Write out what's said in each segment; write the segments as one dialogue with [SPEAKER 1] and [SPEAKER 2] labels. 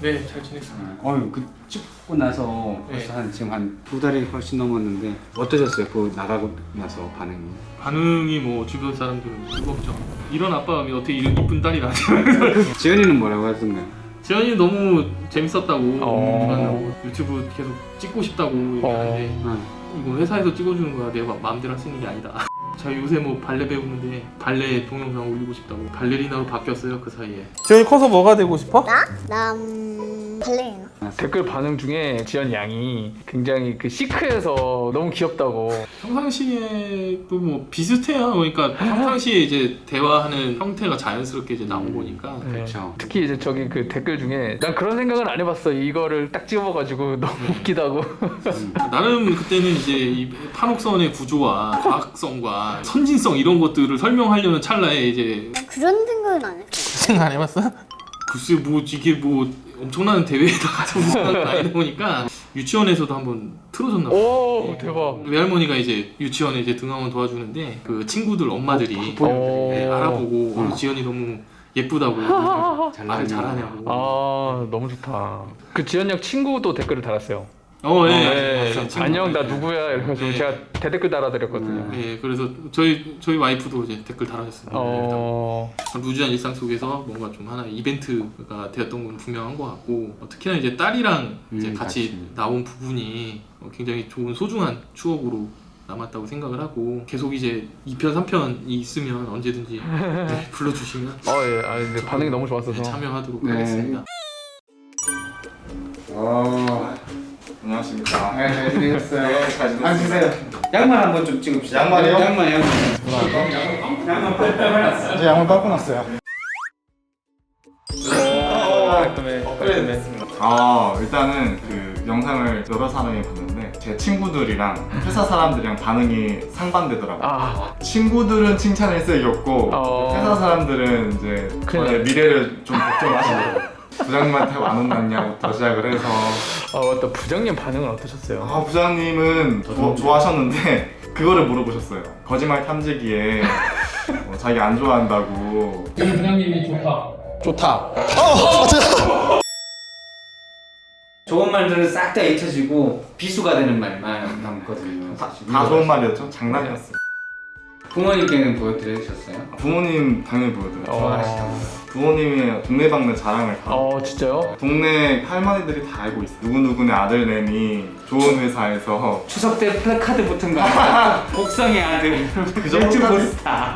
[SPEAKER 1] 네, 잘 지냈습니다.
[SPEAKER 2] 그 찍고 나서 벌써 지금 한 2달이 훨씬 넘었는데 어떠셨어요? 그 나가고 나서 반응이?
[SPEAKER 1] 반응이 뭐 주변 사람들은 뜨겁죠. 이런 아빠가 어떻게 이쁜 딸이 나지?
[SPEAKER 2] 지연이는 뭐라고 하던가요?
[SPEAKER 1] 지연이 너무 재밌었다고 유튜브 계속 찍고 싶다고 얘기하는데 이거 회사에서 찍어주는 거야. 내가 마음대로 할 수 있는 게 아니다. 저 요새 뭐 발레 배우는데 발레 동영상 올리고 싶다고 발레리나로 바뀌었어요 그 사이에.
[SPEAKER 3] 지연이 커서 뭐가 되고 싶어?
[SPEAKER 4] 나 발레리나.
[SPEAKER 3] 댓글 반응 중에 지연 양이 굉장히 그 시크해서 너무 귀엽다고.
[SPEAKER 1] 평상시에도 뭐 비슷해요. 그러니까 평상시에 이제 대화하는 형태가 자연스럽게 이제 나온 거니까.
[SPEAKER 2] 그렇죠.
[SPEAKER 3] 특히 이제 저기 그 댓글 중에 난 그런 생각은 안 해봤어. 이거를 딱 찍어봐가지고 너무 웃기다고.
[SPEAKER 1] 나름 그때는 이제 이 판옥선의 구조와 과학성과 선진성 이런 것들을 설명하려는 찰나에 이제
[SPEAKER 4] 나 그런 생각은 안 했어.
[SPEAKER 3] 생각 안 해봤어?
[SPEAKER 1] 글쎄 뭐 이게 뭐 엄청난 대회에다 가서 우승하는 아니다 보니까 유치원에서도 한번 틀어줬나 봐요.
[SPEAKER 3] 오 대박.
[SPEAKER 1] 외할머니가 이제 유치원에 이제 등하원 도와주는데 그 친구들 엄마들이
[SPEAKER 3] 오.
[SPEAKER 1] 네, 알아보고 지연이 너무 예쁘다고 말을 잘하냐고.
[SPEAKER 3] 아 너무 좋다. 그 지연 양 친구도 댓글을 달았어요.
[SPEAKER 1] 네.
[SPEAKER 3] 안녕 나 누구야 이래가지고
[SPEAKER 1] 네.
[SPEAKER 3] 제가 대댓글 달아드렸거든요.
[SPEAKER 1] 네, 그래서 저희 와이프도 이제 댓글 달아줬습니다. 루즈한 일상 속에서 뭔가 좀 하나의 이벤트가 되었던 건 분명한 것 같고 특히나 이제 딸이랑 이제 같이 나온 부분이 굉장히 좋은 소중한 추억으로 남았다고 생각을 하고 계속 이제 2편, 3편이 있으면 언제든지 네, 불러주시면
[SPEAKER 3] 예. 근데 반응이 너무 좋았어서
[SPEAKER 1] 네, 참여하도록 하겠습니다.
[SPEAKER 5] 안녕하십니까.
[SPEAKER 2] 네, 잘 지내셨어요.
[SPEAKER 5] 네, 잘 지냈습니다.
[SPEAKER 2] 앉으세요. 양말 한번 좀 찍읍시다.
[SPEAKER 5] 양말이요?
[SPEAKER 2] 양말.
[SPEAKER 5] 이제 양말 빨고 났어요. 일단은 그 영상을 여러 사람이 봤는데 제 친구들이랑 회사 사람들이랑 반응이 상반되더라고요. 친구들은 칭찬을 쓰였고 회사 사람들은 이제 저의 미래를 좀 걱정하시더라고요. 부장님한테 안 혼났냐부터 시작을 해서
[SPEAKER 3] 맞다. 부장님 반응은 어떠셨어요?
[SPEAKER 5] 부장님은 좋아하셨는데 그거를 물어보셨어요. 거짓말 탐지기에 자기 안 좋아한다고.
[SPEAKER 1] 부장님이 좋다.
[SPEAKER 2] 좋은 말들은 싹 다 잊혀지고 비수가 되는 말만 남거든요.
[SPEAKER 5] 다 좋은 말이었죠? 장난이었어요.
[SPEAKER 2] 부모님께는 보여드리셨어요?
[SPEAKER 5] 부모님 당연히 보여드려요. 좋아하시다고. 부모님의 동네방네 자랑을 다
[SPEAKER 3] 진짜요?
[SPEAKER 5] 동네 할머니들이 다 알고 있어요. 누구누구네 아들내미 좋은 회사에서
[SPEAKER 2] 추석 때 플래카드 붙은 거 아니야? 복성의 아들
[SPEAKER 5] 그 정도까지.
[SPEAKER 2] 유튜브 스타.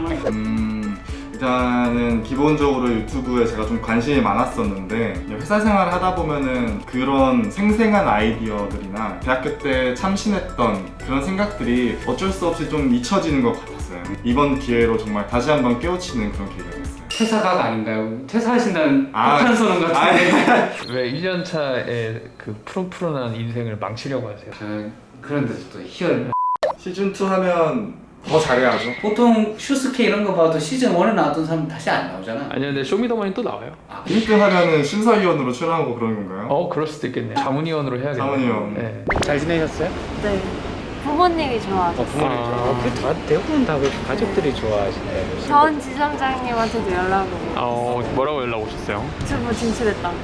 [SPEAKER 5] 일단은 기본적으로 유튜브에 제가 좀 관심이 많았었는데 회사 생활을 하다 보면은 그런 생생한 아이디어들이나 대학교 때 참신했던 그런 생각들이 어쩔 수 없이 좀 잊혀지는 것 같았어요. 이번 기회로 정말 다시 한번 깨우치는 그런 기회가 됐어요.
[SPEAKER 2] 퇴사각 아닌가요? 퇴사하신다는 폭탄 소름 같은데.
[SPEAKER 3] 왜 1년 차에 그 푸른푸른한 인생을 망치려고 하세요?
[SPEAKER 2] 그런데도 또 희열.
[SPEAKER 5] 시즌2 하면 더 잘해야죠.
[SPEAKER 2] 보통 슈스케 이런 거 봐도 시즌 1에 나왔던 사람 다시 안 나오잖아.
[SPEAKER 3] 아니요, 근데 쇼미더머니 또 나와요.
[SPEAKER 5] 1등 하면은 심사위원으로 출연하고 그런 건가요?
[SPEAKER 3] 그럴 수도 있겠네요. 자문위원으로 해야겠네요.
[SPEAKER 5] 자문위원.
[SPEAKER 3] 네.
[SPEAKER 2] 잘 지내셨어요?
[SPEAKER 6] 네. 부모님이 좋아하셨어요.
[SPEAKER 2] 대부분 다 가족들이 좋아하시네요.
[SPEAKER 6] 전 지점장님한테도 연락을 오고
[SPEAKER 3] 뭐라고 연락 오셨어요?
[SPEAKER 6] 유튜브 진출했다고.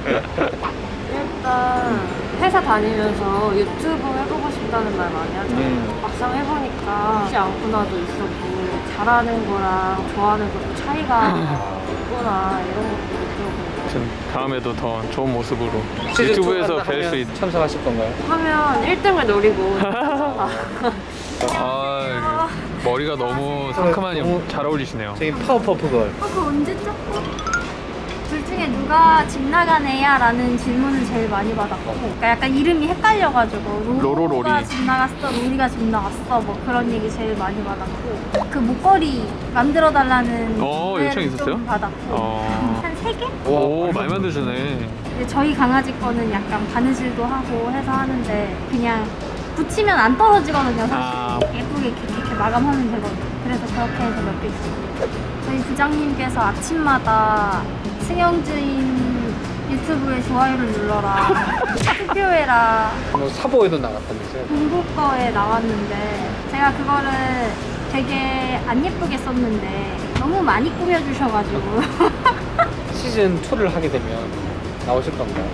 [SPEAKER 6] 일단 회사 다니면서 유튜브 해보고 싶다는 말 많이 하잖아요. 막상 해보니까 쉽지 않구나도 있었고 잘하는 거랑 좋아하는 것도 차이가 있구나 이런 것도 느껴보고
[SPEAKER 3] 다음에도 더 좋은 모습으로 유튜브에서 뵐 수 있.
[SPEAKER 2] 참석하실 건가요?
[SPEAKER 6] 하면 1등을 노리고
[SPEAKER 3] 머리가 너무 상큼하니 잘 어울리시네요.
[SPEAKER 2] 저희 파워퍼프걸.
[SPEAKER 4] 그거 언제 쪘고? 둘 중에 누가 집 나간 애야? 라는 질문을 제일 많이 받았고 그러니까 약간 이름이 헷갈려가지고
[SPEAKER 3] 로로로리.
[SPEAKER 4] 로로가 집 나갔어, 로리가 집 나갔어 뭐 그런 얘기 제일 많이 받았고 그 목걸이 만들어달라는
[SPEAKER 3] 요청
[SPEAKER 4] 좀
[SPEAKER 3] 있었어요?
[SPEAKER 4] 받았고 한 3개?
[SPEAKER 3] 오, 많이 만드시네.
[SPEAKER 4] 근데 저희 강아지 거는 약간 바느질도 하고 해서 하는데 그냥 붙이면 안 떨어지거든요 사실. 예쁘게 이렇게 마감하면 되거든요. 그래서 그렇게 해서 몇 개 있어요. 저희 부장님께서 아침마다 승영주인 유튜브에 좋아요를 눌러라 투표해라
[SPEAKER 2] 사보에도 나갔다면서요?
[SPEAKER 4] 공부 거에 나왔는데 제가 그거를 되게 안 예쁘게 썼는데 너무 많이 꾸며주셔가지고
[SPEAKER 7] 시즌 2를 하게 되면
[SPEAKER 2] 나오실던가요?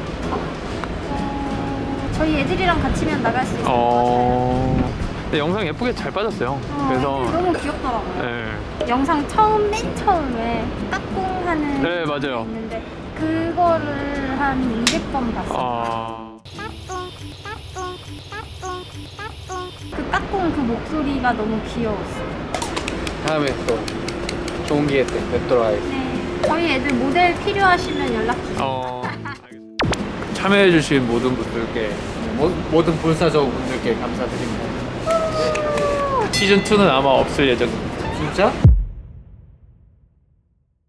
[SPEAKER 4] 저희 애들이랑 같이면 나갈 수 있을 것 같아요.
[SPEAKER 3] 근데 영상 예쁘게 잘 빠졌어요. 그래서
[SPEAKER 4] 애들 너무 귀엽더라고요.
[SPEAKER 3] 네.
[SPEAKER 4] 영상 맨 처음에 까꿍하는
[SPEAKER 3] 네, 맞아요.
[SPEAKER 4] 게 있는데 그거를 한 200번 봤어요. 그 까꿍 그 목소리가 너무 귀여웠어요.
[SPEAKER 2] 다음에 또 좋은 기회 때 뵙도록 하겠습니다.
[SPEAKER 4] 네, 저희 애들 모델 필요하시면 연락 주세요.
[SPEAKER 2] 참여해주신 모든 분들께 모든 불사조 분들께 감사드립니다.
[SPEAKER 3] 시즌 2는 아마 없을 예정입니다.
[SPEAKER 2] 진짜?